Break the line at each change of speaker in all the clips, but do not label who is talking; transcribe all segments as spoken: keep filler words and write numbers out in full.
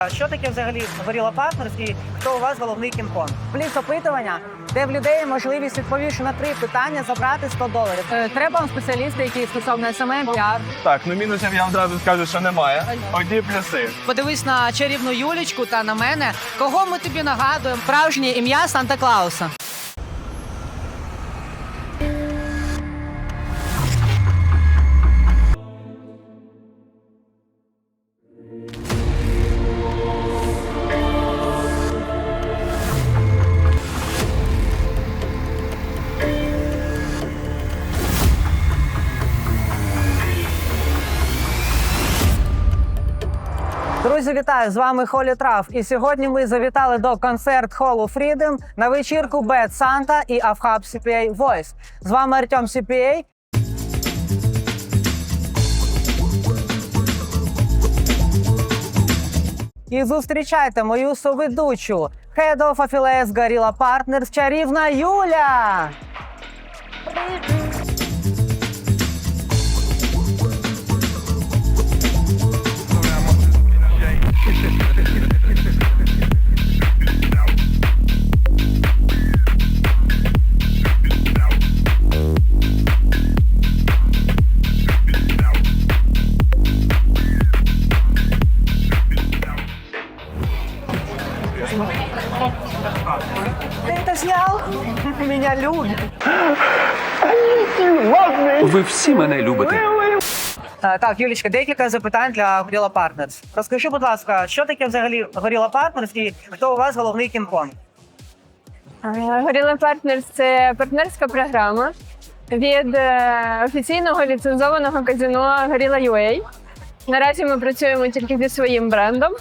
Що таке взагалі Gorilla Partners і хто у вас головний кінг-конг?
Пліс опитування, де в людей є можливість, відповівши на три питання, забрати сто доларів. Е, Треба вам спеціалісти, які стосовно ес ем ем, піар.
Так, ну мінусів я одразу скажу, що немає. Одні плюси.
Подивись на чарівну Юлічку та на мене. Кого ми тобі нагадуємо? Справжнє ім'я Санта-Клауса. Друзі, вітаю! З вами Холі Трав. І сьогодні ми завітали до концерт-холу Freedom на вечірку Bad Santa і Авхаб сі пі ей Voice. З вами Артем сі пі ей. І зустрічайте мою соведучу, Head of Affiliates Gorilla Partners, чарівна Юля! Ты это снял? Меня любят.
Ви всі мене любите.
А, Так, Юлічка, декілька запитань для Gorilla Partners. Розкажи, будь ласка, що таке взагалі Gorilla Partners і хто у вас головний кінг-конг?
Gorilla Partners – це партнерська програма від е, офіційного ліцензованого казино Gorilla ю ей. Наразі ми працюємо тільки зі своїм брендом,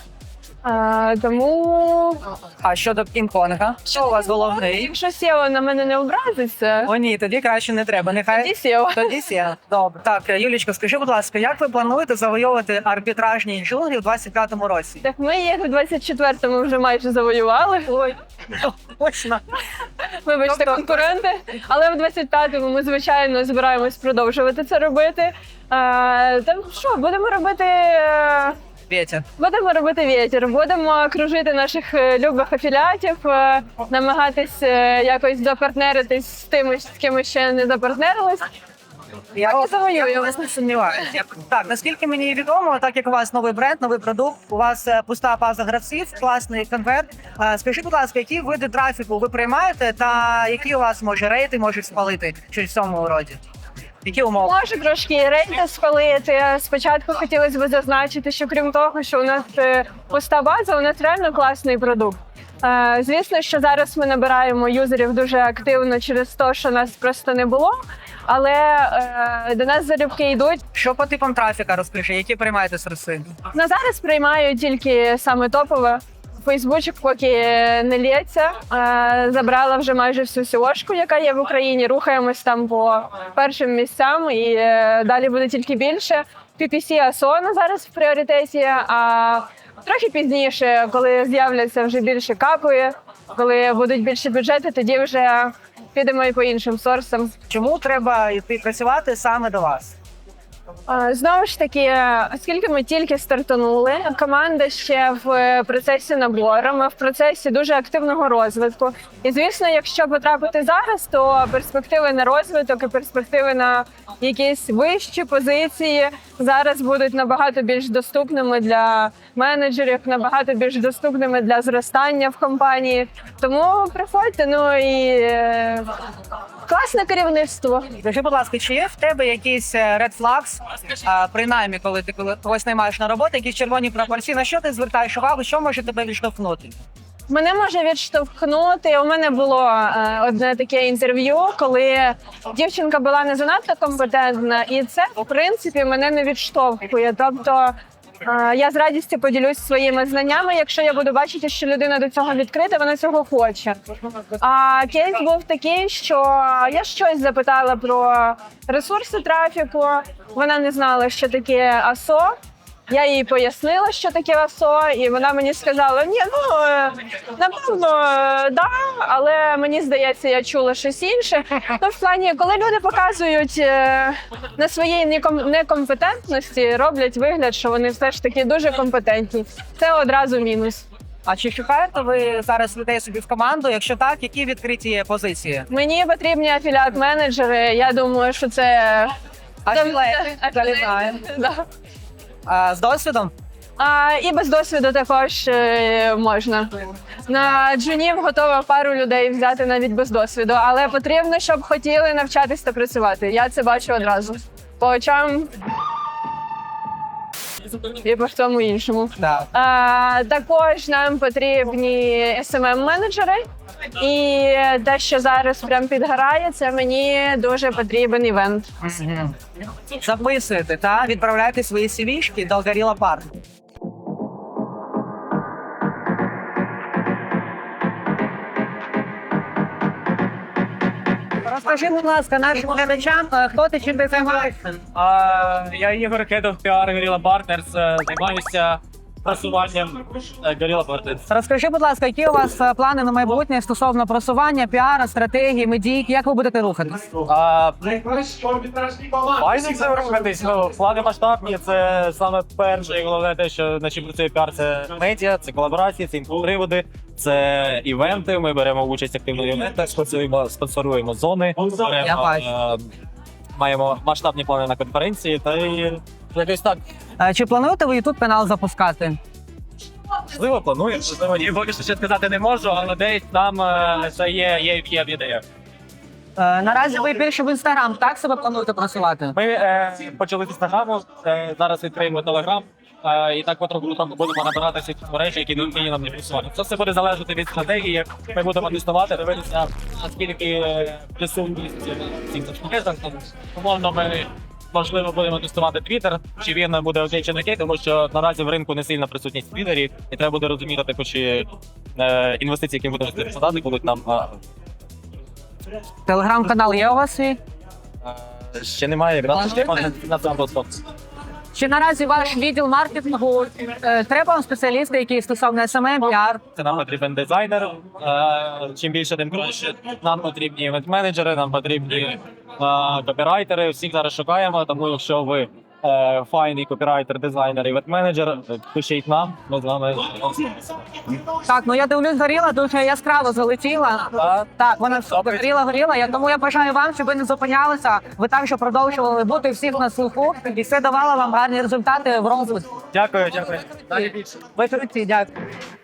а, тому
А щодо кінг-конга, що у вас головний?
якщо сео на мене не образиться,
О ні, тоді краще не треба. Нехай
тоді сео.
тоді сє. Добре. Так, Юлічка, скажи, будь ласка, як ви плануєте завойовувати арбітражні джунглі в двадцять п'ятому році?
Так ми їх у двадцять четвертому вже майже завоювали. Ой,
Точно.
вибачте,
Тобто-
конкуренти. Але в двадцять п'ятому ми, звичайно, збираємось продовжувати це робити. А, та що, будемо робити... е,
Петя.
Будемо робити вітер, будемо кружити наших е, любих афіліатів, е, намагатись е, якось запартнеритись з тими, з ким ми ще не запартнерились.
Я
Так і завоюємо.
я вас не сумніваюся. Так, наскільки мені відомо, так як у вас новий бренд, новий продукт, у вас е, пуста база гравців, класний конверт. Е, Скажіть, будь ласка, які види трафіку ви приймаєте та які у вас, може, рейти можуть спалити щось в цьому роді? Які умови?
Може трошки рейти спалити. Спочатку хотілося б зазначити, що крім того, що у нас е, пуста база, у нас реально класний продукт. Е, Звісно, що зараз ми набираємо юзерів дуже активно через те, що нас просто не було, але е, до нас залюбки йдуть.
Що по типам трафіка розкажи, які приймаєте сервіси?
На зараз приймаю тільки саме топове. Фейсбучик поки не лється. Е, Забрала вже майже всю сіошку, яка є в Україні. Рухаємось там по першим місцям і е, далі буде тільки більше. пі пі сі Асона зараз в пріоритеті, а трохи пізніше, коли з'являться вже більше капи, коли будуть більші бюджети, тоді вже підемо і по іншим сорсам.
Чому треба йти працювати саме до вас?
А, Знову ж таки, оскільки ми тільки стартанули, команда ще в процесі набору, ми в процесі дуже активного розвитку. І, звісно, якщо потрапити зараз, то перспективи на розвиток і перспективи на якісь вищі позиції зараз будуть набагато більш доступними для менеджерів, набагато більш доступними для зростання в компанії. Тому приходьте, ну і е, класне керівництво.
Скажи, будь ласка, чи є в тебе якийсь red flags, а, принаймні, коли ти коли когось наймаєш на роботу, якісь червоні прапорці, на що ти звертаєш увагу, що може тебе відштовхнути?
Мене може відштовхнути. У мене було е, одне таке інтерв'ю, коли дівчинка була не занадто компетентна, і це, в принципі, мене не відштовхує. Тобто е, я з радістю поділюсь своїми знаннями, якщо я буду бачити, що людина до цього відкрита, вона цього хоче. А кейс був такий, що я щось запитала про ресурси трафіку, вона не знала, що таке АСО. Я їй пояснила, що таке АСО, і вона мені сказала, ні, ну, е, напевно, е, да, але мені здається, я чула щось інше. Ну, в плані, коли люди показують е, на своїй неком- некомпетентності, роблять вигляд, що вони все ж таки дуже компетентні. Це одразу мінус.
А чи шукаєте ви зараз людей собі в команду? Якщо так, які відкриті позиції?
Мені потрібні афіліат-менеджери, я думаю, що це...
Афілети, залітає.
Да.
А, з досвідом?
А, і без досвіду також е, можна. На джунів готова пару людей взяти навіть без досвіду, але потрібно, щоб хотіли навчатись та працювати. Я це бачу одразу. По очам і по всьому іншому.
Так.
А, також нам потрібні ес ем ем-менеджери. І те, що зараз прям підгорає, це мені дуже потрібен івент.
Записуєте, та відправляєте свої сі-вішки до Gorilla Park. Розкажи, будь ласка, нашим глядачам, е, хто ти, чим ти займаєшся?
А, я Ігор Кедов, піар Gorilla Partners, е, займаюся просуванням е, Gorilla Partners.
Розкажи, будь ласка, які у вас е, плани на майбутнє стосовно просування, піара, стратегії, медійки, як ви будете рухатись?
А, Майже це рухатись, ну, плани масштабні, це саме перше і головне те, що на чим працює піар, це медіа, це колаборації, це інфоприводи, це івенти, ми беремо участь активно в івентах, спонсоруємо, спонсоруємо зони,
Я
беремо,
бачу.
е, маємо масштабні плани на конференції, та і якось так.
Е, Чи плануєте ви ютуб канал запускати?
Можливо, планую, можливо, ні. Поки що ще сказати не можу, але десь там е, це є, є, є в ідеях.
Е, Наразі ви більше в інстаграм, так себе плануєте просувати?
Ми е, почали з інстаграму, е, зараз відкриємо телеграм, е, і так потроху потроху будемо набирати всі мережі, які необхідні нам для просування. Це все буде залежати від стратегії, як ми будемо тестувати, дивитися, наскільки е, присутність в цих соцмережах. Там, Умовно, ми можливо будемо тестувати Twitter, чи він буде окей чи не окей, тому що наразі в ринку не сильна присутність в Твіттері, і треба буде розуміти також, чи е, інвестиції, які ми будемо вкладати, будуть нам е,
Телеграм-канал є у вас свій?
е, ще немає якраз на цьому платформі.
Чи наразі ваш відділ маркетингу е, треба вам спеціалісти, які стосовно ес ем ем, піар?
Це нам потрібен дизайнер. Е, Чим більше, тим краще. Нам потрібні івент-менеджери, нам потрібні е, копірайтери. Всіх зараз шукаємо, тому якщо ви е, файний копірайтер, дизайнер, івент-менеджер, пишіть нам, ми з вами.
Так, ну я дивлюсь, горіла дуже яскраво залетіла.
Так.
Так, вона все горіла, горіла. Я тому я бажаю вам, щоб ви не зупинялися. Ви також продовжували бути всіх на слуху, і це давало вам гарні результати в розвитку.
Дякую, дякую. Далі більше.
Ви круті, дякую.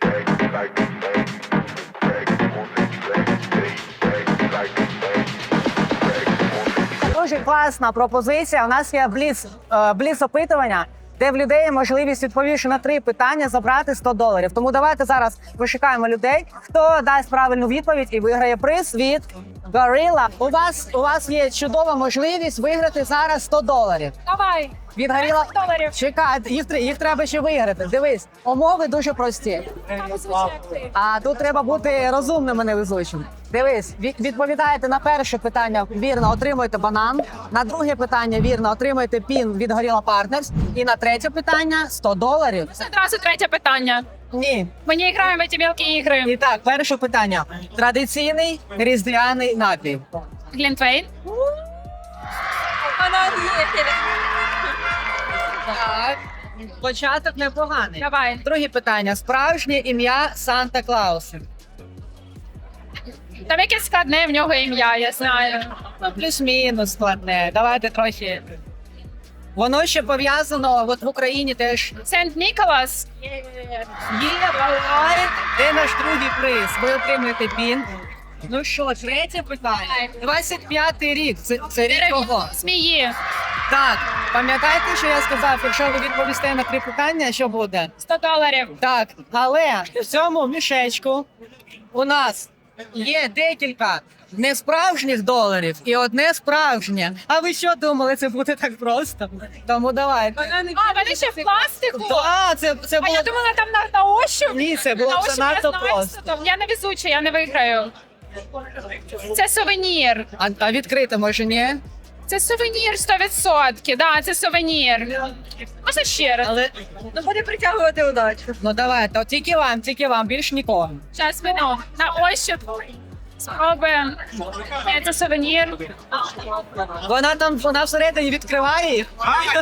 Дуже класна пропозиція. У нас є бліц, е, бліц опитування, де в людей є можливість, відповівши на три питання, забрати сто доларів. Тому давайте зараз вишукаємо людей, хто дасть правильну відповідь і виграє приз від Gorilla. У вас, у вас є чудова можливість виграти зараз сто доларів.
Давай!
Від Gorilla.
доларів.
Чекай, їх, тр- їх треба ще виграти. Дивись, умови дуже прості. А тут треба бути розумним, а не везучим. Дивись, від- відповідаєте на перше питання вірно, отримуєте банан. На друге питання вірно, отримуєте пін від Gorilla Partners. І на третє питання сто доларів.
Одразу третє питання.
Ні.
Ми не граємо в ці мілкі ігри.
І так, перше питання. Традиційний різдвяний напій.
Глінтвейн.
Так. Початок непоганий.
Давай.
Друге питання. Справжнє ім'я Санта Клауса.
Там якесь складне в нього ім'я, я знаю.
Ну, плюс-мінус складне. Давайте трохи. Воно ще пов'язано от в Україні теж.
Сент Ніколас.
Є, давай. Де наш другий приз? Ви отримуєте пін. Ну що, третє питання. двадцять п'ятий рік. Це, це рік кого?
Змії.
Так, пам'ятаєте, що я сказав, якщо ви відповісте на три питання, що буде?
сто доларів.
Так, але в цьому мішечку у нас є декілька несправжніх доларів і одне справжнє. А ви що думали, це буде так просто? Тому давайте.
А, вони ще в пластику.
А, це, це
А
було...
я думала, там на, на ощуп.
Ні, це
На
було
ощуп я
занадто
знаю,
просто.
що там. Я не везуча, я не виграю. Це сувенір.
А, а відкрити може ні?
Це сувенір сто відсотків. Да, це сувенір. Можна ще раз?
Але
Ну, буде притягувати удачу.
ну давайте, от тільки вам, тільки вам, більш нікого.
Зараз ми ну, на ощуп спробуємо. Ні, це сувенір.
Вона там вона всередині відкриває їх.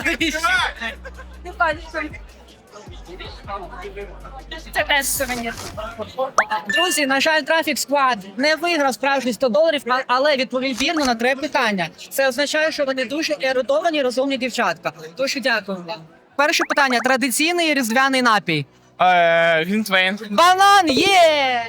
Це теж сувенір.
Друзі, на жаль, Трафік Сквад не виграв справжні сто доларів, а- але відповів вірно на три питання. Це означає, що вони дуже ерудовані, розумні дівчатка. Тож дякую вам. Перше питання: традиційний різдвяний напій.
Е, Глінтвейн.
Банан є!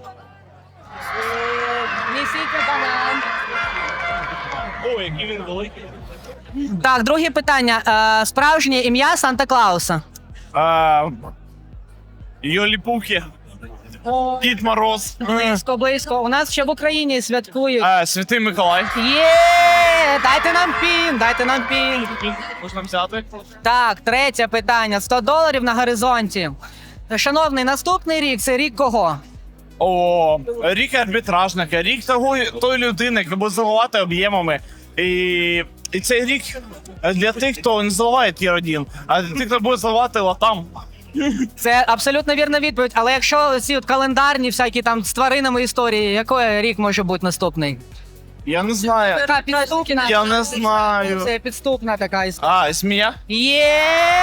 Несіть банан.
О, який він великий.
Так, друге питання. Е, Справжнє ім'я Санта-Клауса.
Е, Йолі-пухи. Дід Мороз.
Близько, близько. У нас ще в Україні святкують.
Е, Святий Миколай.
Є! Дайте нам пін, дайте нам пін.
Можна взяти?
Так, третє питання. сто доларів на горизонті. Шановний, наступний рік це рік кого?
О, рік арбітражника, рік того, тої людини, яка буде заливати об'ємами. І, і цей рік для тих, хто не заливає тір один, а для тих, хто буде заливати латам.
Це абсолютно вірна відповідь, але якщо ці от календарні всякі там з тваринами історії, який рік може бути наступний?
Я не знаю.
Така підступна.
Я не знаю.
Це підступна така історія.
А, змія?
Є!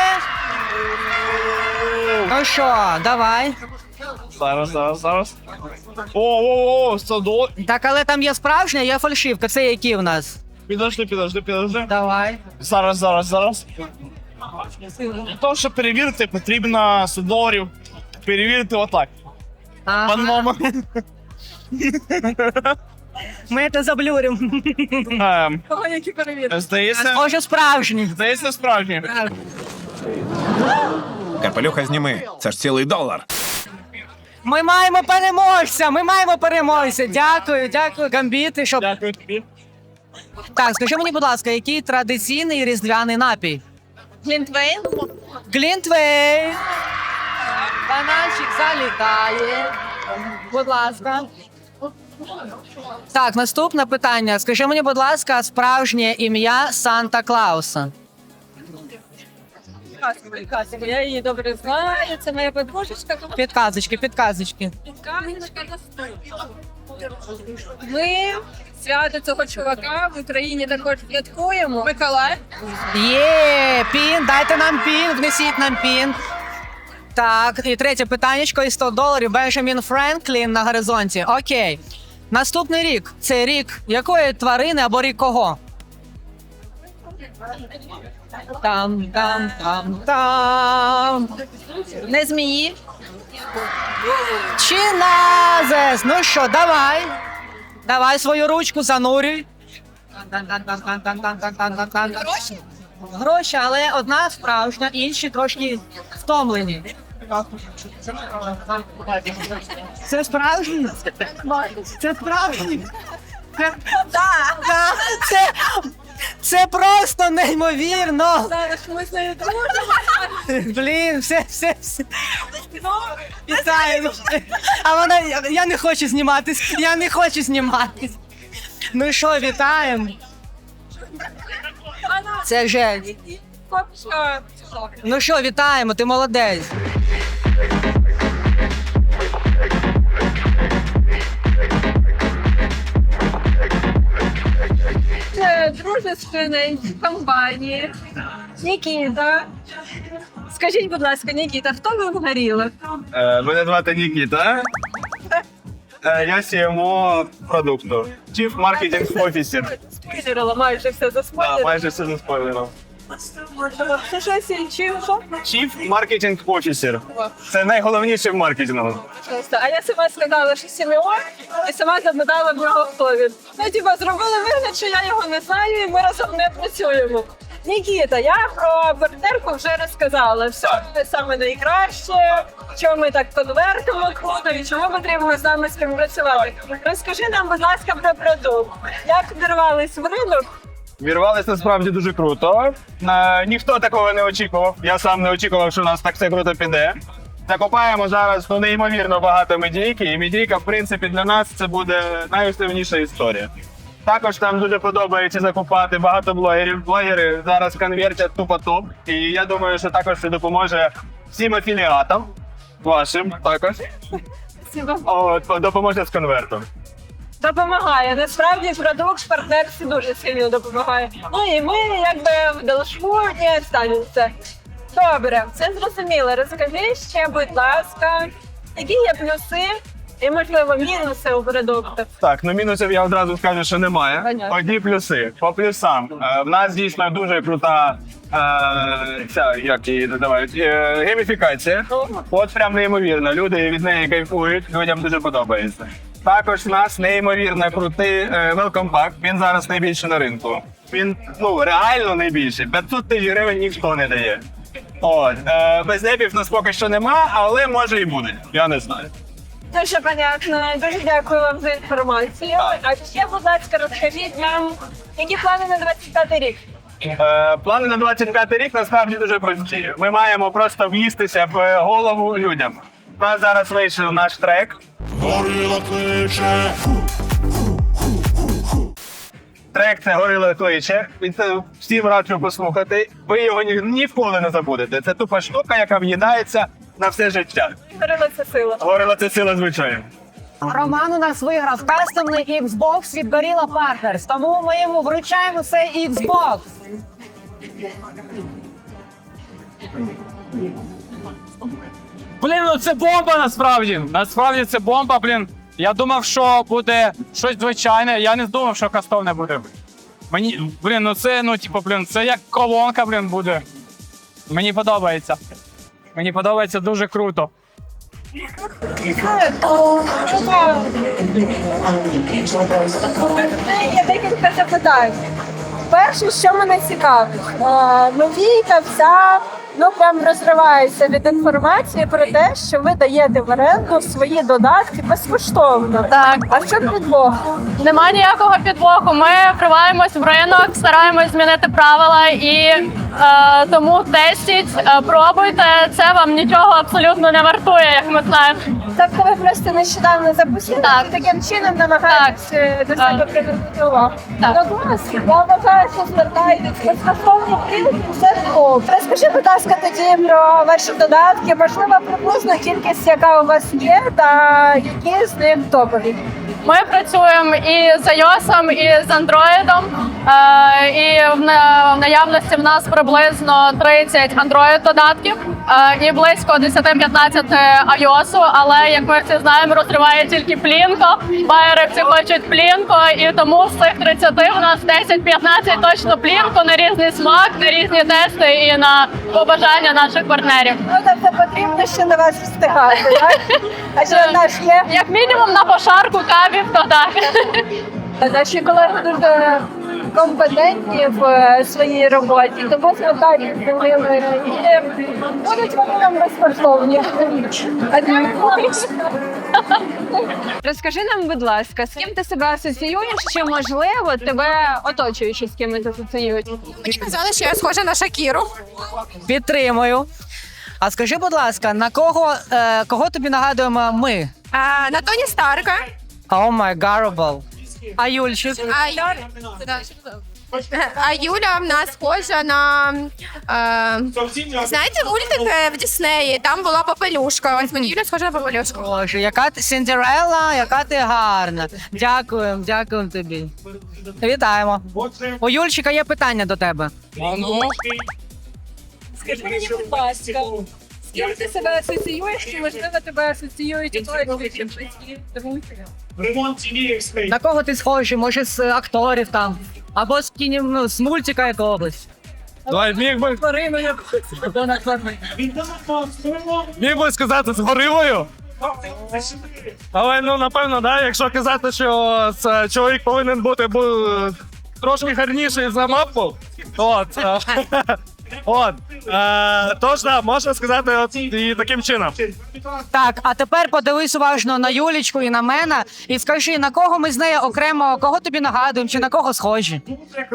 Ну що, давай.
Зараз, зараз, зараз. О, о, о, сто доларів.
Так, але там є справжня, є фальшивка. Це які в нас?
Підожди, підожди, підожди.
Давай.
Зараз, зараз, зараз. Для того, щоб перевірити, потрібно сто доларів. Перевірити отак.
Ага.
Пан мама.
Ми це заблюримо.
Ем,
Кого які перевірки?
Здається,
Може справжні.
здається, справжній.
Капелюха зніми, це ж цілий долар.
Ми маємо переможця! Ми маємо переможця! Дякую, дякую, гамбіти, щоб.
Дякую тобі.
Так, скажи мені, будь ласка, який традиційний різдвяний напій?
Глінтвейн?
Глінтвейн! Бананчик залітає. Будь ласка. Так, наступне питання. Скажи мені, будь ласка, справжнє ім'я Санта-Клауса.
Я її добре знаю, це моя подружечка.
Підказочки, підказочки.
Ми свято цього чувака в Україні також святкуємо. Миколай.
Є, пін, дайте нам пін, внесіть нам пін. Так, і третє питаннячко і сто доларів. Бенджамін Френклін на горизонті. Окей. Наступний рік. Це рік якої тварини або рік кого? Там, там, там, там.
Не змії.
Чиназес! Ну що, давай. Давай свою ручку занурюй. Гроші? Гроші, але одна справжня, інші трошки втомлені. Це справжні? Це справжні? Це, да, да, це, це просто неймовірно.
Зараз ми з нею дружимо.
Блін, все, все, все. Вітаю. А вона, я, я не хочу зніматись, я не хочу зніматись. Ну що, вітаємо. Це вже. Ну що, вітаємо, ти молодець.
Це дружественної компанії. Нікіта. Скажіть, будь ласка, Нікіта, хто ви вгоріли?
Е, Мене звати Нікіта. Е, Я сі ем о продукту. Chief Marketing Officer.
Спойлерила майже все за
Да,
спойлер.
майже все за спойлером.
Це щось іншим, що?
Chief Marketing Officer. Це найголовніше в маркетингу.
Просто. А я сама сказала, що Сімеон, і сама запитала в нього, хто він. Ну, типа, зробили вигляд, що я його не знаю, і ми разом не працюємо. Нікіта, я про партнерку вже розказала. Все саме найкраще, чому ми так конвертимо круто, і чому потрібно з нами співпрацювати. Розкажи нам, будь ласка, про продукт. Як вдирвались в ринок?
Вірвалися насправді дуже круто. Е, Ніхто такого не очікував. Я сам не очікував, що у нас так все круто піде. Закупаємо зараз ну, неймовірно багато медійки, і медійка, в принципі, для нас це буде найосновніша історія.
Також нам дуже подобається закупати багато блогерів. Блогери зараз конвертять тупо топ. І я думаю, що також це допоможе всім афіліатам вашим також. От, допоможе з конвертом.
Допомагає. Насправді продукт партнерстві дуже сильно допомагає. Ну і ми якби в Делшму не останемося. Добре, все зрозуміло. Розкажи ще, будь ласка, які є плюси і, можливо, мінуси у продуктах.
Так, ну мінусів я одразу скажу, що немає.
Понятно.
Одні плюси. По плюсам. Е, в нас дійсно дуже крута е, ця, як її називають, е, гейміфікація. От прям неймовірно. Люди від неї кайфують, людям дуже подобається. Також в нас неймовірно крутий е, welcome pack. Він зараз найбільший на ринку. Він ну реально найбільший. п'ятсот тисяч гривень ніхто не дає. От, е, без непів в нас поки що нема, але може і буде. Я не знаю.
Дуже понятно. Дуже дякую вам за інформацію. А ще, будь ласка, розкажіть нам, які плани на двадцять п'ятий рік?
Е, плани на двадцять п'ятий рік насправді дуже прості. Ми маємо просто в'їстися в голову людям. У нас зараз вийшов наш трек. Трек це «Горило кличе». Він це всім раджу послухати. Ви його ні, ніколи не забудете. Це тупа штука, яка в'їдається на все життя.
Горила це сила.
Горило це сила звичайно.
Роман у нас виграв кастомний Xbox від Gorilla Partners, тому ми йому вручаємо цей Xbox.
Блін, ну це бомба насправді. Насправді це бомба, блін. Я думав, що буде щось звичайне, я не думав, що кастомне буде. Мені, блін, ну це, ну, типу, блін, це як колонка, блін, буде. Мені подобається. Мені подобається дуже круто.
Є декілька запитань. Перше, що мене цікавить, е, новійка вся ну прям розривається від інформації про те, що ви даєте в оренду свої додатки безкоштовно.
Так.
А що підвох?
Нема ніякого підвоху. Ми вриваємось в ринок, стараємось змінити правила і е, тому тестіть, е, пробуйте. Це вам нічого абсолютно не вартує, як ми знаємо.
Тобто ви просто нещодавно запустили,
Так.
і таким чином намагаєтесь е, до
Так.
себе привернути увагу.
Так.
Ну клас, я вважаю, що звертаєтесь безкоштовно прийти, це топ. Розкажи, будь ласка, тоді про ваші додатки, можливо, приблизно кількість, яка у вас є, та які з них топові.
Ми працюємо і з iOS, і з Android. Е, і в на- в наявності в нас приблизно тридцять Android додатків е, і близько десять-п'ятнадцять iOS, але як ми всі знаємо, розриває тільки плінко. Байери всі хочуть плінко, і тому з цих тридцяти в нас десять-п'ятнадцять точно плінко на різний смак, на різні тести і на побажання наших партнерів.
Ну, тобто потрібно ще на вас встигати, так? А що наш є?
Як мінімум на пошарку кавів, то так.
Наші колеги дуже компетентні в е, своїй роботі, тому звертайтеся до ними і будуть вони нам безкоштовні. Розкажи нам, будь ласка, з ким ти себе асоціюєш, чи можливо тебе оточуючи з кимось асоціюють?
Мені казали, що я схожа на Шакіру.
Підтримую. А скажи, будь ласка, на кого, е, кого тобі нагадуємо ми?
А, на Тоні Старка.
О май гарбл. А Юльчик?
А, Юля... а Юля в нас схожа на... Е... Знаєте, мультик е, в Діснеї? Там була попелюшка. Ось мені Юля схожа на попелюшку.
Боже, яка ти Сіндерелла, яка ти гарна. Дякуємо, дякуємо тобі. Вітаємо. У Юльчика є питання до тебе.
Скажи мені, будь ласка, з ким ти себе асоціюєш, чи можливо тебе асоціюють оточуючі батьки, друзі?
На кого ти схожий? Може, з акторів там? Або з кіні, ну, з мультика якогось?
Давай, міг би, міг би сказати з горилою. Але ну напевно, да, якщо казати, що це чоловік повинен бути бу, трошки гарніший за мапу, от. е, От. Е, тож, да, можна сказати от, і таким чином.
Так, а тепер подивись уважно на Юлічку і на мене і скажи, на кого ми з нею окремо, кого тобі нагадуємо, чи на кого схожі?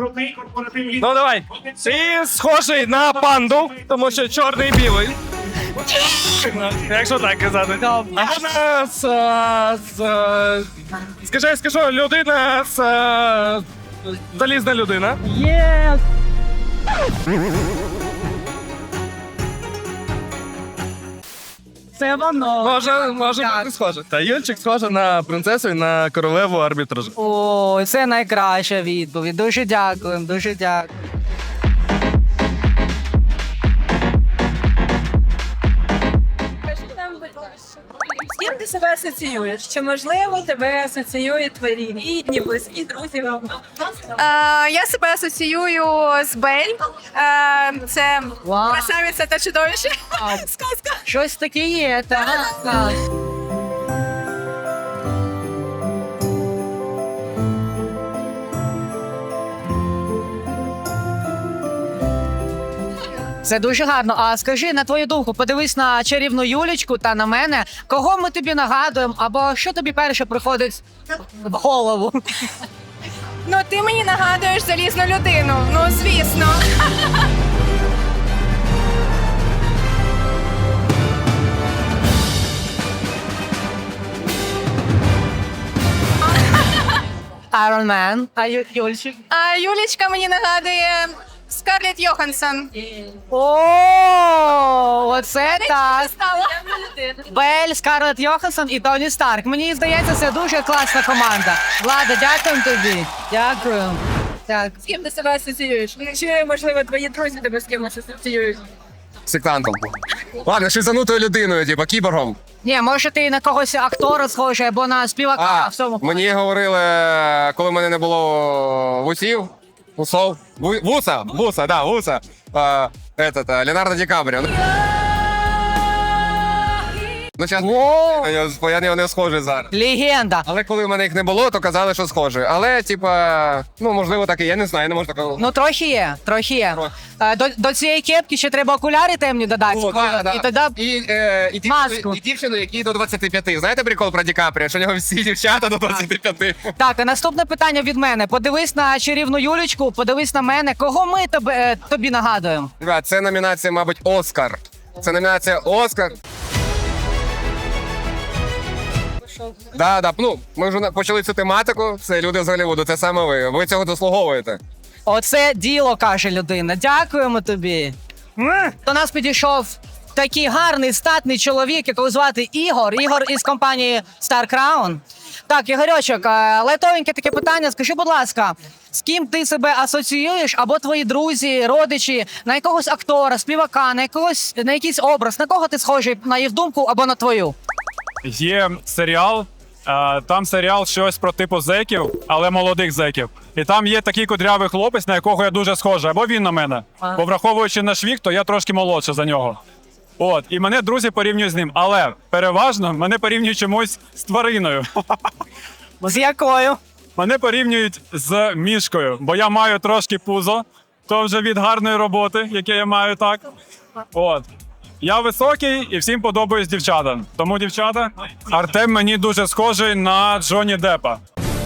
Ну давай. Ти схожий на панду, тому що чорний і білий. Якщо так казати. А вона з, е, з, е, скажи, я скажу, людина з е, залізна людина.
Є! Це воно.
Може, може бути схоже. Та Юльчик схожа на принцесу і на королеву арбітражу.
О, це найкраща відповідь. Дуже дякую, дуже дякую.
З ким ти себе асоціюєш? Чи можливо тебе асоціюють твої рідні, близькі, друзі?
Е, я себе асоціюю з Бель. Е, це
Вау.
красавиця та чудовище. Сказка.
Щось таке є, так. так. Це дуже гарно. А скажи, на твою думку, подивись на чарівну Юлічку та на мене. Кого ми тобі нагадуємо, або що тобі перше приходить в голову?
Ну, ти мені нагадуєш залізну людину. Ну, звісно.
Iron Man. А Ю- Юльчик?
А Юлічка мені нагадує Скарлетт Йоханссон.
О, оце так.
Стала.
Бель, Скарлетт Йоханссон і Тоні Старк. Мені здається, це дуже класна команда. Влада, дякуємо тобі. Дякую. Так.
З ким ти себе асоціюєш? Чи, можливо, твої друзі тебе з кимось асоціюють?
Сектантом. Ладно, шизанутою людиною, типа кіборгом.
Ні, може ти на когось актора схожий або на співака.
А,
в цьому.
мені говорили, коли в мене не було вусів, усов, ву- вуса, вуса, да, вуса, а, этот, а, Леонардо Ді Капріо. Ну, зараз, я, я на нього не схожий зараз.
Легенда.
Але коли в мене їх не було, то казали, що схожий. Але, типа, ну, можливо, так і є, не знаю, я не можу такого.
Ну, трохи є, трохи є.
Трохи.
Е, До, до цієї кепки ще треба окуляри темні додати.
О, да, да.
І тоді
І, е, і,
Маску.
дівчину, і дівчину, які до двадцяти п'яти. Знаєте прикол про Ді Капріо, що у нього всі дівчата до двадцяти п'яти?
так, а наступне питання від мене. Подивись на чарівну Юлічку, подивись на мене. Кого ми тебе, е, тобі нагадуємо?
Ребят, це номінація, мабуть, Оскар. Це номінація Оскар. Да, да, ну, ми вже на- почали цю тематику, це люди з Голлівуду, це саме ви. Ви цього заслуговуєте.
Оце діло, каже людина. Дякуємо тобі. М. До нас підійшов такий гарний статний чоловік, якого звати Ігор. Ігор із компанії Star Crown. Так, Ігорьочок, е, лайтовеньке таке питання. Скажи, будь ласка, з ким ти себе асоціюєш, або твої друзі, родичі, на якогось актора, співака, на якогось на якийсь образ, на кого ти схожий, на їх думку або на твою?
Є серіал, е, там серіал щось про типу зеків, але молодих зеків. І там є такий кудрявий хлопець, на якого я дуже схожий, або він на мене. Бо враховуючи наш вік, то я трошки молодше за нього. От, і мене друзі порівнюють з ним. Але переважно мене порівнюють чомусь з твариною.
З якою?
Мене порівнюють з мішкою, бо я маю трошки пузо, то вже від гарної роботи, яке я маю так. От. Я високий і всім подобаюсь дівчата. Тому, дівчата, Артем мені дуже схожий на Джонні Деппа.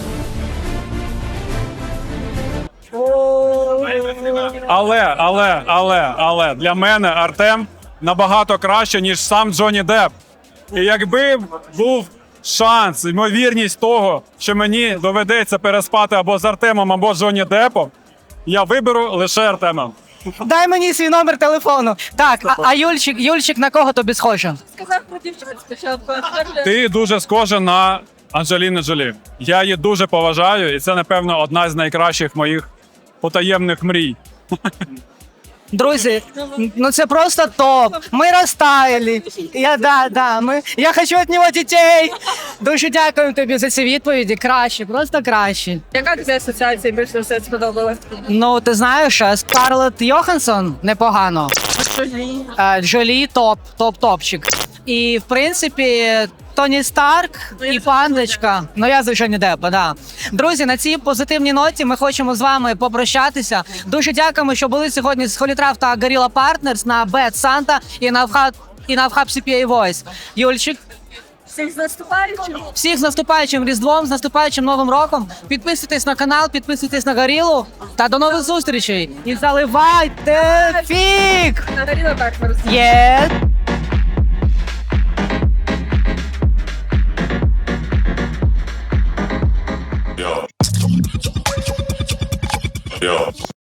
Але, але, але, але для мене Артем набагато краще, ніж сам Джонні Депп. І якби був шанс, ймовірність того, що мені доведеться переспати або з Артемом, або з Джонні Деппом, я виберу лише Артема.
Дай мені свій номер телефону. Так, а, а Юльчик, Юльчик на кого тобі схожий?
Сказав про дівчат спочатку.
Ти дуже схожа на Анджеліну Джолі. Я її дуже поважаю, і це, напевно, одна з найкращих моїх потаємних мрій.
Друзі, ну це просто топ. Ми розтаяли. Я, да, да, ми, я хочу від нього дітей. Дуже дякую тобі за ці відповіді. Краще, просто краще.
Яка тобі асоціація більше все сподобалась?
Ну, ти знаєш, Скарлетт Йоханссон непогано. Е, Джолі топ, топ-топчик. І, в принципі, Тоні Старк і пандочка. Ну, я звичайно Деппа, да. Друзі, на цій позитивній ноті ми хочемо з вами попрощатися. Дуже дякуємо, що були сьогодні з Холітрав та Gorilla Partners на Bad Santa і на Вхаб і на Вхаб сі пі ей Voice. Юльчик,
Всіх з наступаючим.
всіх з наступаючим Різдвом, з наступаючим Новим роком. Підписуйтесь на канал, підписуйтесь на Горілу та до нових зустрічей. І заливайте фік!
На Горіла Partners.
Є!